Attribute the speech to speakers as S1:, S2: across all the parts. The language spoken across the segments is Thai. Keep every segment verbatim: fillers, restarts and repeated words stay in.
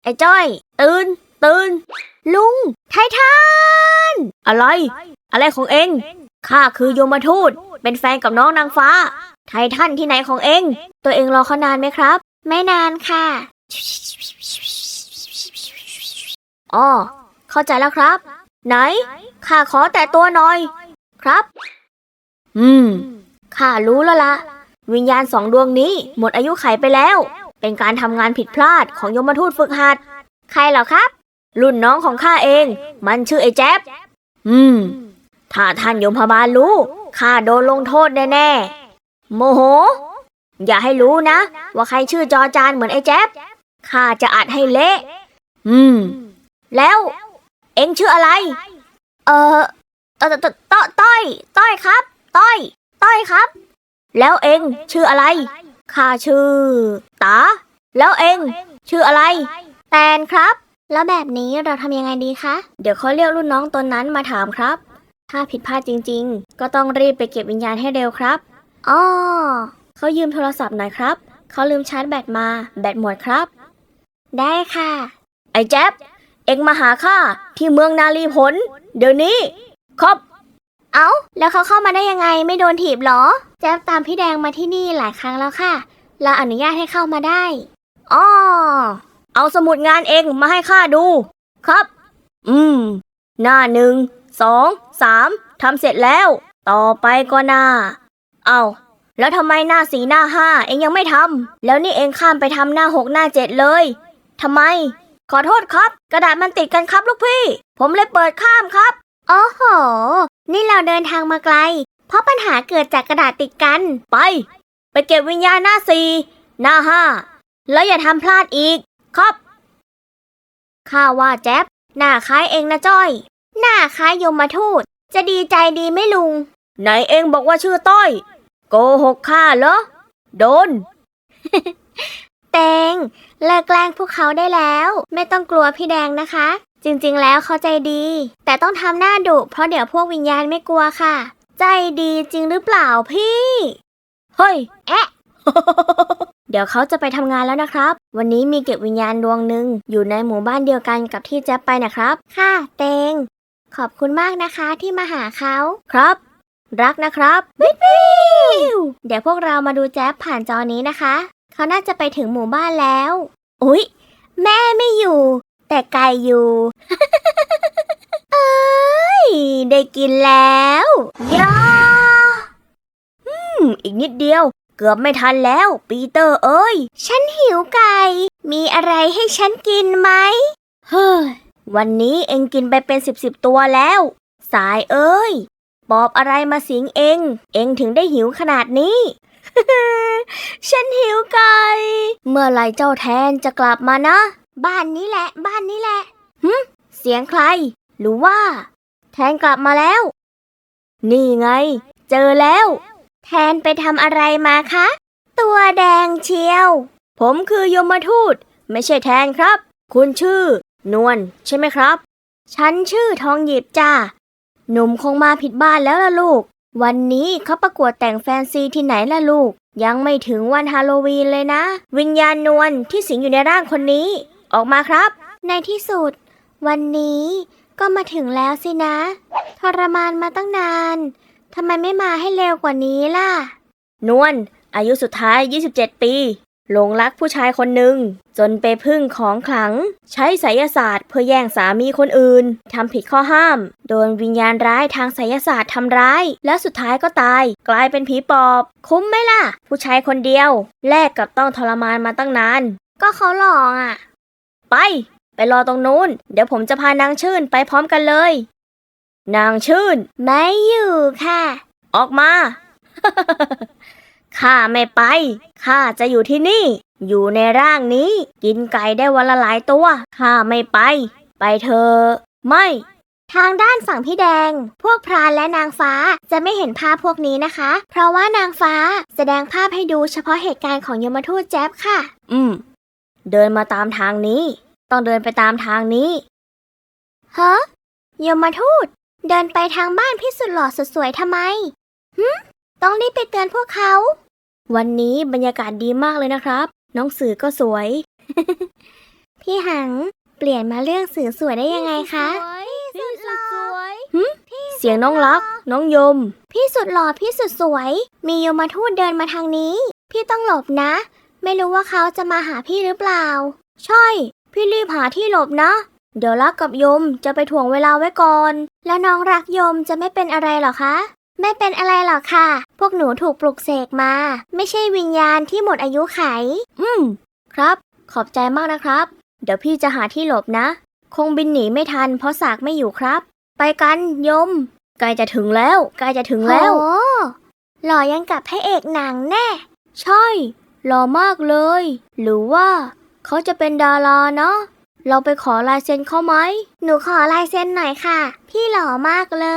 S1: อ้จ้อยตื่นตื่นลุงไททันอะไรอะไรของเองข้าคือโยมทูตเป็นแฟนกับน้องนางฟ้าไททันที่ไหนของเองตัวเองรอเขานานไหมครับไม่นานค่ะอ๋อเข้าใจแล้วครับไหนข้าขอแต่ตัวหน่อยครับอืมข้ารู้แล้วละวิญญาณสองดวงนี้หมดอายุไขไปแล้วเป็นการทำงานผิดพลาดของยมทูตฝึกหัดใครเหรอครับรุ่นน้องของข้าเองมันชื่อไอ้แจ๊บอืมถ้าท่านยมบาลรู้ข้าโดนลงโทษแน่ๆโมโหอย่าให้รู้นะว่าใครชื่อจอจานเหมือนไอ้แจ๊บข้าจะอัดให้เละอืมแล้วเอ็งชื่ออะไรเออเออต้อยต้อยต้อยครับต้อยต้อยครับแล้วเอ็งชื่ออะไรข้าชื่อตาแล้วเอ็งชื่ออะไรแตนครับแล้วแบบนี้เราทำยังไงดีคะเดี๋ยวเขาเรียกรุ่นน้องตนนั้นมาถามครับถ้าผิดพลาดจริงๆก็ต้องรีบไปเก็บวิญญาณให้เร็วครับอ้อเขายืมโทรศัพท์หน่อยครับเขาลืมชาร์จแบตมาแบตหมดครับได้ค่ะไอ้แจ๊บเอ็งมาหาข้าที่เมืองนาลีผลเดี๋ยวนี้ครับเอ้าแล้วเขาเข้ามาได้ยังไงไม่โดนถีบหรอแจ๊บตามพี่แดงมาที่นี่หลายครั้งแล้วค่ะเราอนุญาตให้เข้ามาได้อ้อเอาสมุดงานเองมาให้ข้าดูครับอืมหน้าหนึ่งสองสามทำเสร็จแล้วต่อไปก็หน้าเอาแล้วทำไมหน้าสี่หน้าห้าเองยังไม่ทำแล้วนี่เองข้ามไปทำหน้าหกหน้าเจ็ดเลยทำไมขอโทษครับกระดาษมันติดกันครับลูกพี่ผมเลยเปิดข้ามครับโอ้โหนี่เราเดินทางมาไกลเพราะปัญหาเกิดจากกระดาษติดกันไปไปเก็บวิญญาณหน้าสี่หน้าห้าแล้วอย่าทำพลาดอีกครับข้าว่าแจ๊บหน้าคล้ายเองนะจ้อยหน้าคล้ายยมทูตจะดีใจดีไหมลุงไหนเองบอกว่าชื่อต้อยโกหกข้าเหรอโดน เตงเลิกแกล้งพวกเขาได้แล้วไม่ต้องกลัวพี่แดงนะคะจริงๆแล้วเขาใจดีแต่ต้องทำหน้าดุเพราะเดี๋ยวพวกวิญญาณไม่กลัวค่ะใจดีจริงหรือเปล่าพี่เฮ้ยแอะ เดี๋ยวเขาจะไปทำงานแล้วนะครับวันนี้มีเก็บวิญญาณดวงหนึ่งอยู่ในหมู่บ้านเดียวกันกับที่แจ๊บไปนะครับค่ะเตงขอบคุณมากนะคะที่มาหาเขาครับรักนะครับวิววิวเดี๋ยวพวกเรามาดูแจ๊บผ่านจอนี้นะคะเขาน่าจะไปถึงหมู่บ้านแล้วอุ๊ยแม่ไม่อยู่แต่ไก่อยู่ เอ้ยได้กินแล้วยาอืมอีกนิดเดียวเกือบไม่ทันแล้วปีเตอร์เอ้ยฉันหิวไก่มีอะไรให้ฉันกินไหมเฮ้ยวันนี้เอ็งกินไปเป็นสิบสิบตัวแล้วสายเอ้ยปอบอะไรมาสิงเอ็งเอ็งถึงได้หิวขนาดนี้ ฉันหิวไก่เมื่อไรเจ้าแทนจะกลับมานะบ้านนี้แหละบ้านนี้แหละหึเสียงใครหรือว่าแทนกลับมาแล้วนี่ไงเจอแล้วแทนไปทำอะไรมาคะตัวแดงเชียวผมคือยมทูตไม่ใช่แทนครับคุณชื่อนวลใช่ไหมครับฉันชื่อทองหยิบจ้าหนุ่มคงมาผิดบ้านแล้วล่ะลูกวันนี้เขาประกวดแต่งแฟนซีที่ไหนล่ะลูกยังไม่ถึงวันฮาโลวีนเลยนะวิญญาณนวลที่สิงอยู่ในร่างคนนี้ออกมาครับในที่สุดวันนี้ก็มาถึงแล้วสินะทรมานมาตั้งนานทำไมไม่มาให้เร็วกว่านี้ล่ะนวลอายุสุดท้ายยี่สิบเจ็ดปีหลงรักผู้ชายคนหนึ่งจนไปพึ่งของขลังใช้ไสยศาสตร์เพื่อแย่งสามีคนอื่นทำผิดข้อห้ามโดนวิญญาณร้ายทางไสยศาสตร์ทำร้ายและสุดท้ายก็ตายกลายเป็นผีปอบคุ้มไหมล่ะผู้ชายคนเดียวแลกกับต้องทรมานมาตั้งนานก็เขาหลอกอ่ะไปไปรอตรงนู้นเดี๋ยวผมจะพานางชื่นไปพร้อมกันเลยนางชื่นไม่อยู่ค่ะออกมา ข้าไม่ไปข้าจะอยู่ที่นี่อยู่ในร่างนี้กินไก่ได้วันละหลายตัวข้าไม่ไปไปเถอะไม่ทางด้านฝั่งพี่แดงพวกพรานและนางฟ้าจะไม่เห็นภาพพวกนี้นะคะเพราะว่านางฟ้าแสดงภาพให้ดูเฉพาะเหตุการณ์ของยมทูตแจ๊บค่ะอืมเดินมาตามทางนี้ต้องเดินไปตามทางนี้ฮะยมทูตเดินไปทางบ้านพี่สุดหล่อสุดสวยทำไมหึต้องรีบไปเตือนพวกเขาวันนี้บรรยากาศดีมากเลยนะครับน้องสื่อก็สวย พี่
S2: พี่หังเปลี่ยนมาเลือกสื่อสวยได้ยังไงคะ
S1: พี่สุดสวยหึเสียงน้องรัก น้องยม
S2: พี่สุดหล่อพี่สุดสวย มียมทูตเดินมาทางนี้ พี่ต้องหลบนะ ไม่รู้ว่าเขาจะมาหาพี่หรือเปล่า
S1: ใช่ พี่รีบหาที่หลบนะ เดี๋ยวรักกับยมจะไปถ่วงเวลาไว้ก่อน
S2: แล้วน้องรักยมจะไม่เป็นอะไรหรอคะ ไม่เป็นอะไรหรอกค่ะ พวกหนูถูกปลุกเสกมา ไม่ใช่วิญญาณที่หมดอายุไข
S1: อืม ครับ ขอบใจมากนะครับ เดี๋ยวพี่จะหาที่หลบนะ คงบินหนีไม่ทันเพราะสากไม่อยู่ครับ ไปกันยมใกล้จะถึงแล้วใกล้จะถึงแล้ว
S2: โอ้หล่อยังกับพระเอกหนังแน่
S1: ใช่หล่อมากเลย หรือว่าเขาจะเป็นดาราเนาะเราไปขอลายเซ็นเขาไหม
S2: หนูขอลายเซ็นหน่อยค่ะ พี่หล่อมากเลย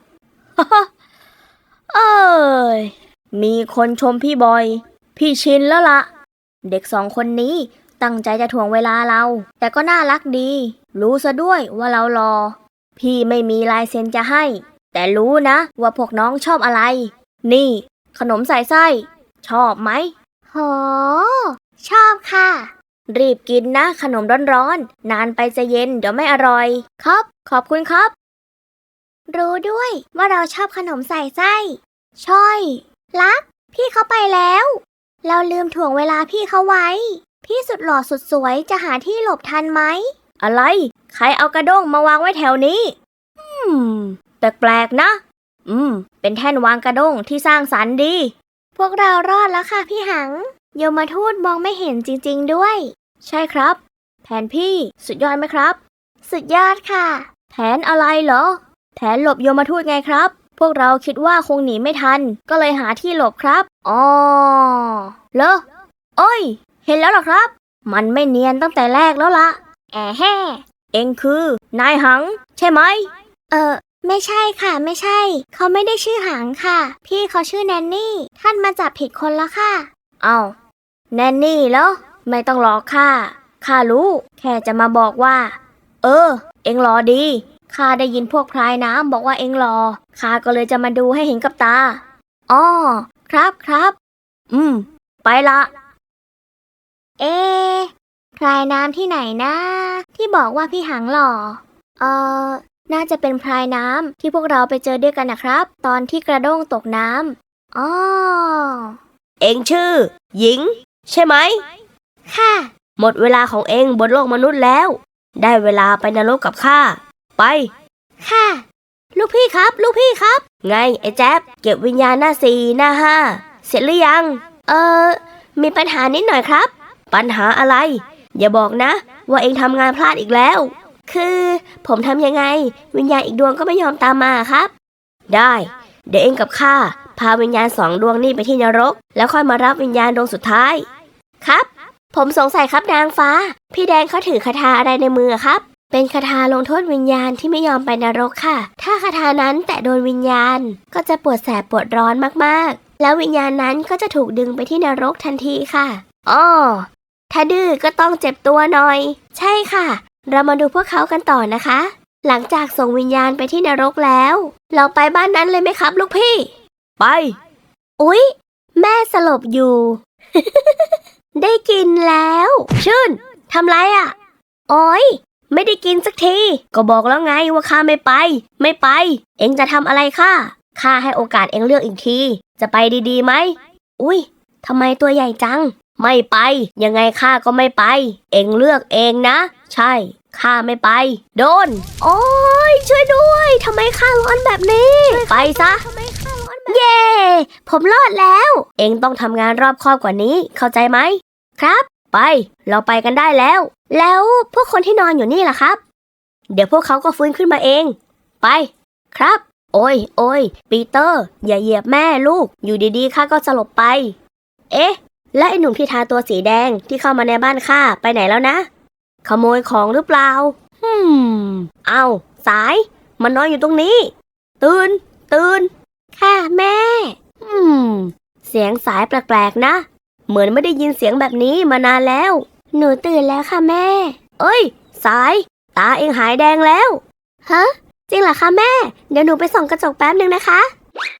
S1: เอ้ยมีคนชมพี่บอย พี่ชินแล้วละเด็กสองคนนี้ตั้งใจจะถ่วงเวลาเรา แต่ก็น่ารักดี รู้ซะด้วยว่าเรารอ พี่ไม่มีลายเซ็นจะให้ แต่รู้นะว่าพวกน้องชอบอะไร นี่ ขนมใส่ไส้ ชอบไหม
S2: โห ชอบค่ะ
S1: รีบกินนะขนมร้อนๆนานไปจะเย็นเดี๋ยวไม่อร่อย ครับ ขอบคุณครับ
S2: รู้ด้วยว่าเราชอบขนมใส่ไส้ช่อยรัก พี่เขาไปแล้ว เราลืมถ่วงเวลาพี่เขาไว้ พี่สุดหล่อสุดสวยจะหาที่หลบทันไหม
S1: อะไร ใครเอากระด้งมาวางไว้แถวนี้ อืม แปลกๆนะ อืม เป็นแท่นวางกระด้งที่สร้างสรรค์ดี
S2: พวกเรารอดแล้วค่ะพี่หังยมทูตมองไม่เห็นจริงๆด้วย
S1: ใช่ครับ แผนพี่สุดยอดไหมครับ
S2: สุดยอดค่ะ
S1: แผนอะไรเหรอ แผนหลบโยมทูตไงครับ พวกเราคิดว่าคงหนีไม่ทัน ก็เลยหาที่หลบครับอ๋อเหรอโอ้ย เห็นแล้วเหรอครับ มันไม่เนียนตั้งแต่แรกแล้วละแอะแฮ่เอ็งคือนายหัง ใช่ไหม
S2: เออไม่ใช่ค่ะไม่ใช่ เขาไม่ได้ชื่อหังค่ะ พี่เขาชื่อแนนนี่ ท่านมาจับผิดคนละค่ะ
S1: เอาแนนนี่เหรอไม่ต้องหลอกข้าข้ารู้ แค่จะมาบอกว่า เออ เอ็งรอดีข้าได้ยินพวกพรายน้ำบอกว่าเอ็งรอข้าก็เลยจะมาดูให้เห็นกับตาอ๋อครับครับ อืม ไปละ
S2: เอ๊ะพรายน้ำที่ไหนนะที่บอกว่าพี่หังหล่อเออน่าจะเป็นพรายน้ำที่พวกเราไปเจอด้วยกันนะครับ ตอนที่กระด้งตกน้ำอ๋อ
S1: เอ็งชื่อ หญิง ใช่ไหม
S2: ค่ะ
S1: หมดเวลาของเอ็งบนโลกมนุษย์แล้ว ได้เวลาไปนรกกับข้าไป
S2: ค่ะ
S1: ลูกพี่ครับ ลูกพี่ครับ ไงไอ้แจ๊บเก็บวิญญาณหน้าสี่หน้าห้าเสร็จหรือยัง เออมีปัญหานิดหน่อยครับ ปัญหาอะไร อย่าบอกนะ ว่าเอ็งทำงานพลาดอีกแล้ว คือผมทำยังไง วิญญาณอีกดวงก็ไม่ยอมตามมาครับ ได้ เดี๋ยวเอ็งกับข้าพาวิญญาณสองดวงนี่ไปที่นรก แล้วค่อยมารับวิญญาณดวงสุดท้ายครับ ผมสงสัยครับนางฟ้า พี่แดงเขาถือคาถาอะไรในมือครับ เป็นคาถาลงโทษวิญญาณที่ไม่ยอมไปนรกค่ะ ถ้าคาถานั้นแตะโดนวิญญาณก็จะปวดแสบปวดร้อนมากๆแล้ววิญญาณนั้นก็จะถูกดึงไปที่นรกทันทีค่ะอ้อถ้าดื้อก็ต้องเจ็บตัวหน่อยใช่ค่ะเรามาดูพวกเขากันต่อนะคะ หลังจากส่งวิญญาณไปที่นรกแล้วเราไปบ้านนั้นเลยไหมครับลูกพี่ไปอุ๊ยแม่สลบอยู่ ได้กินแล้วชื่นทำไรอ่ะโอ๊ยไม่ได้กินสักทีก็บอกแล้วไงว่าข้าไม่ไปไม่ไปเอ็งจะทำอะไรข้าข้าให้โอกาสเอ็งเลือกอีกทีจะไปดีๆไหมอุ๊ยทำไมตัวใหญ่จังไม่ไปยังไงข้าก็ไม่ไปเอ็งเลือกเองนะใช่ข้าไม่ไปโดนโอ๊ยช่วยด้วยทำไมข้าร้อนแบบนี้ไปซะเย่ผมรอดแล้วเอ็งต้องทำงานรอบคอบกว่านี้เข้าใจไหมครับไปเราไปกันได้แล้วแล้วพวกคนที่นอนอยู่นี่ล่ะครับเดี๋ยวพวกเขาก็ฟื้นขึ้นมาเองไปครับโอ้ยโอ้ยปีเตอร์อย่าเหยียบแม่ลูกอยู่ดีๆข้าก็สลบไปเอ๊ะและไอ้หนุ่มที่ทาตัวสีแดงที่เข้ามาในบ้านข้าไปไหนแล้วนะขโมยของหรือเปล่าฮึมเอาสายมันนอนอยู่ตรงนี้ตื่นตื่นค่ะแม่อืมเสียงสายแปลกๆนะเหมือนไม่ได้ยินเสียงแบบนี้มานานแล้วหนูตื่นแล้วค่ะแม่เอ้ยสายตาเองหายแดงแล้วฮะจริงเหรอคะแม่เดี๋ยวหนูไปส่องกระจกแป๊บนึงนะคะ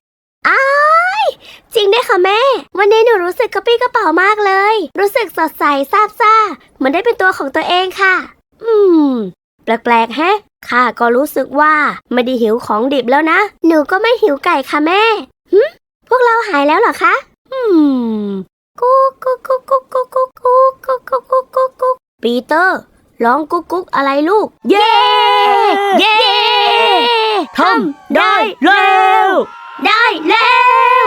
S2: อ้ายจริงด้วยค่ะแม่วันนี้หนูรู้สึกกระปี้กระเป๋ามากเลยรู้สึกสดใสซาบซ่าเหมือนได้เป็นตัวของตัวเองค่ะอืมแปลกๆแฮะข้าก็รู้สึกว่าไม่ได้หิวของดิบแล้วนะหนูก็ไม่หิวไก่ค่ะแม่หึพวกเราหายแล้วเหรอคะอืมกุ๊กกุ๊กกุ๊กกุ๊กกุ๊กกุ๊กกุ๊กกุ๊กกุ๊กกุ๊กกุ๊กกุ๊กปีเตอร์ร้องกุ๊กกุ๊กอะไรลูกเย้เย้ทำได้แล้วได้แล้ว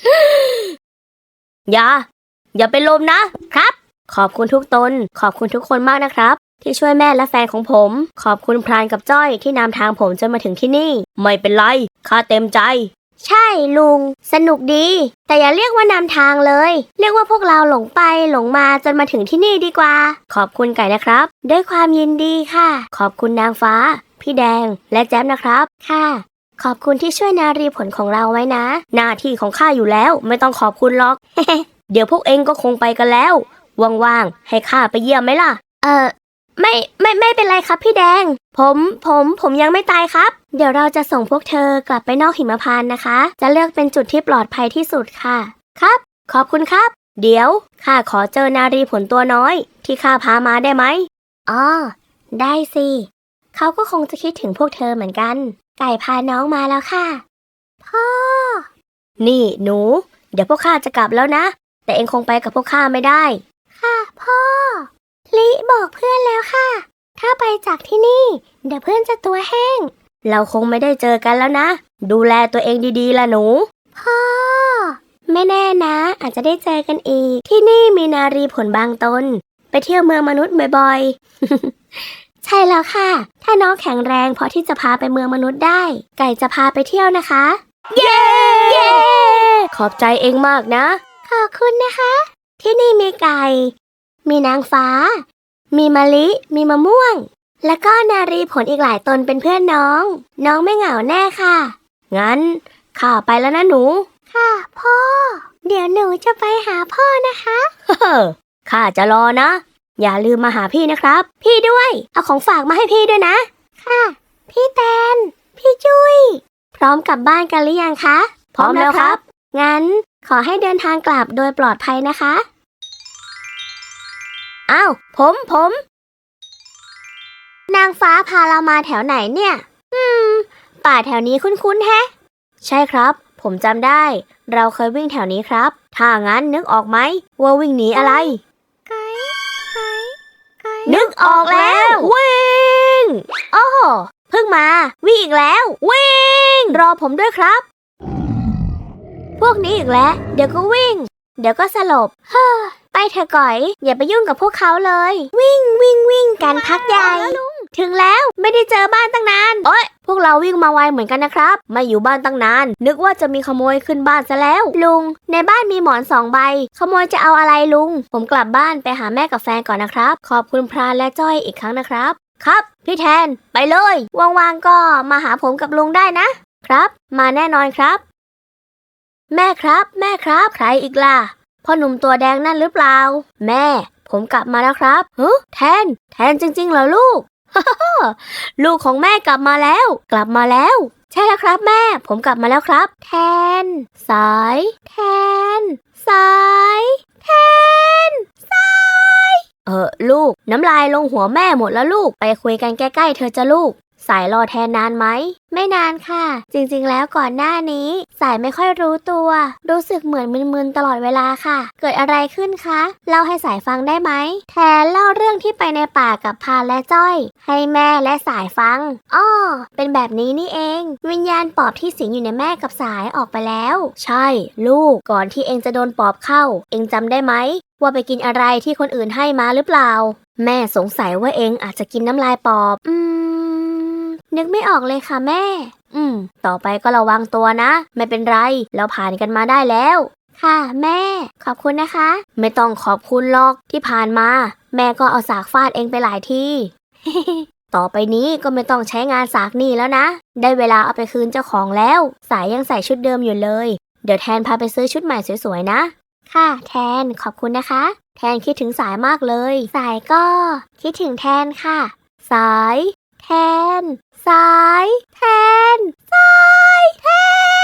S2: อย่าอย่าเป็นลมนะครับขอบคุณทุกตนขอบคุณทุกคนมากนะครับที่ช่วยแม่และแฟนของผมขอบคุณพรานกับจ้อยที่นำทางผมจนมาถึงที่นี่ไม่เป็นไรข้าเต็มใจใช่ลุงสนุกดีแต่อย่าเรียกว่านำทางเลยเรียกว่าพวกเราหลงไปหลงมาจนมาถึงที่นี่ดีกว่าขอบคุณไก่นะครับด้วยความยินดีค่ะขอบคุณนางฟ้าพี่แดงและแจ๊บนะครับค่ะขอบคุณที่ช่วยนารีผลของเราไว้นะหน้าที่ของข้าอยู่แล้วไม่ต้องขอบคุณหรอก เดี๋ยวพวกเองก็คงไปกันแล้วว่างๆให้ข้าไปเยี่ยมไหมล่ะเออไม่ไม่ไม่เป็นไรครับพี่แดงผมผมผมยังไม่ตายครับเดี๋ยวเราจะส่งพวกเธอกลับไปนอกหิมพานต์นะคะจะเลือกเป็นจุดที่ปลอดภัยที่สุดค่ะครับขอบคุณครับเดี๋ยวข้าขอเจอนารีผลตัวน้อยที่ข้าพามาได้ไหมอ๋อได้สิเขาก็คงจะคิดถึงพวกเธอเหมือนกันไก่พาน้องมาแล้วค่ะพ่อนี่หนูเดี๋ยวพวกข้าจะกลับแล้วนะแต่เองคงไปกับพวกข้าไม่ได้ค่ะพ่อลิบอกเพื่อนแล้วค่ะถ้าไปจากที่นี่เดี๋ยวเพื่อนจะตัวแห้งเราคงไม่ได้เจอกันแล้วนะดูแลตัวเองดีๆล่ะหนูพ่อไม่แน่นะอาจจะได้เจอกันอีกที่นี่มีนารีผลบางตนไปเที่ยวเมืองมนุษย์บ่อยๆ ใช่แล้วค่ะถ้าน้องแข็งแรงพอที่จะพาไปเมืองมนุษย์ได้ไก่จะพาไปเที่ยวนะคะเย้ เย้ ขอบใจเองมากนะขอบคุณนะคะที่นี่มีไก่มีนางฟ้ามีมะลิมีมะม่วงแล้วก็นารีผลอีกหลายตนเป็นเพื่อนน้องน้องไม่เหงาแน่ค่ะงั้นข้าไปแล้วนะหนูค่ะพ่อเดี๋ยวหนูจะไปหาพ่อนะคะเฮ้อข้าจะรอนะอย่าลืมมาหาพี่นะครับพี่ด้วยเอาของฝากมาให้พี่ด้วยนะค่ะพี่แตนพี่จุ้ยพร้อมกลับบ้านกันหรือยังคะพร้อมแล้วครับงั้นขอให้เดินทางกลับโดยปลอดภัยนะคะอ้าวผมผมนางฟ้าพาเรามาแถวไหนเนี่ยอืมป่าแถวนี้คุ้นๆแฮะใช่ครับผมจำได้เราเคยวิ่งแถวนี้ครับถ้างั้นนึกออกไหมว่าวิ่งหนีอะไรไก่ไก่ไก่นึกออกแล้ววิ่งโอ้โหเพิ่งมาวิ่งอีกแล้ววิ่งรอผมด้วยครับพวกนี้อีกแล้วเดี๋ยวก็วิ่งเดี๋ยวก็สลบเฮ้อไปเถอะก่อยอย่าไปยุ่งกับพวกเขาเลยวิ่งวิ่งวิ่งกันพักใหญ่ถึงแล้วไม่ได้เจอบ้านตั้งนานโอ๊ยพวกเราวิ่งมาไวเหมือนกันนะครับไม่อยู่บ้านตั้งนานนึกว่าจะมีขโมยขึ้นบ้านซะแล้วลุงในบ้านมีหมอนสองใบขโมยจะเอาอะไรลุงผมกลับบ้านไปหาแม่กับแฟนก่อนนะครับขอบคุณพรานและจ้อยอีกครั้งนะครับครับพี่แทนไปเลยว่างๆก็มาหาผมกับลุงได้นะครับมาแน่นอนครับแม่ครับแม่ครับใครอีกล่ะพ่อหนุ่มตัวแดงนั่นหรือเปล่าแม่ผมกลับมาแล้วครับเฮ้แทนแทนจริงๆเหรอลูก ลูกของแม่กลับมาแล้วกลับมาแล้วใช่แล้วครับแม่ผมกลับมาแล้วครับแทนสายแทนสายแทนสายเออลูกน้ำลายลงหัวแม่หมดแล้วลูกไปคุยกันใกล้ๆเธอจะลูกสายรอแทนนานไหมไม่นานค่ะจริงๆแล้วก่อนหน้านี้สายไม่ค่อยรู้ตัวรู้สึกเหมือนมึนๆตลอดเวลาค่ะเกิดอะไรขึ้นคะเล่าให้สายฟังได้ไหมแทนเล่าเรื่องที่ไปในป่ากับพาและจ้อยให้แม่และสายฟังอ้อเป็นแบบนี้นี่เองวิญญาณปอบที่สิงอยู่ในแม่กับสายออกไปแล้วใช่ลูกก่อนที่เองจะโดนปอบเข้าเองจำได้ไหมว่าไปกินอะไรที่คนอื่นให้มาหรือเปล่าแม่สงสัยว่าเองอาจจะกินน้ำลายปอบอืมนึกไม่ออกเลยค่ะแม่อืมต่อไปก็ระวังตัวนะไม่เป็นไรเราผ่านกันมาได้แล้วค่ะแม่ขอบคุณนะคะไม่ต้องขอบคุณหรอกที่ผ่านมาแม่ก็เอาสากฟาดเองไปหลายที ต่อไปนี้ก็ไม่ต้องใช้งานสากนี่แล้วนะได้เวลาเอาไปคืนเจ้าของแล้วสายยังใส่ชุดเดิมอยู่เลยเดี๋ยวแทนพาไปซื้อชุดใหม่สวยๆนะค่ะแทนขอบคุณนะคะแทนคิดถึงสายมากเลยสายก็คิดถึงแทนค่ะสายแทนสายแทนสายแทน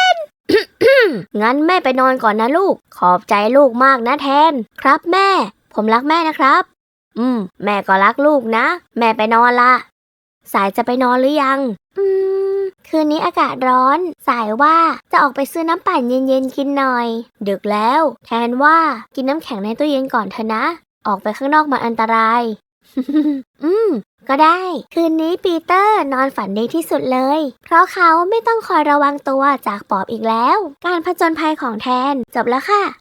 S1: งั้นแม่ไปนอนก่อนนะลูก ขอบใจลูกมากนะแทน ครับแม่ ผมรักแม่นะครับ อืม แม่ก็รักลูกนะ แม่ไปนอนละ สายจะไปนอนหรือยัง
S2: อืม คืนนี้อากาศร้อน สายว่าจะออกไปซื้อน้ำปั่นเย็นๆกินหน่อย
S1: ดึกแล้ว แทนว่ากินน้ำแข็งในตู้เย็นก่อนเถอะนะ ออกไปข้างนอกมันอันตราย
S2: อืม ก็ได้ คืนนี้ปีเตอร์นอนฝันดีที่สุดเลย เพราะเขาไม่ต้องคอยระวังตัวจากปอบอีกแล้ว การผจญภัยของแทนจบแล้วค่ะ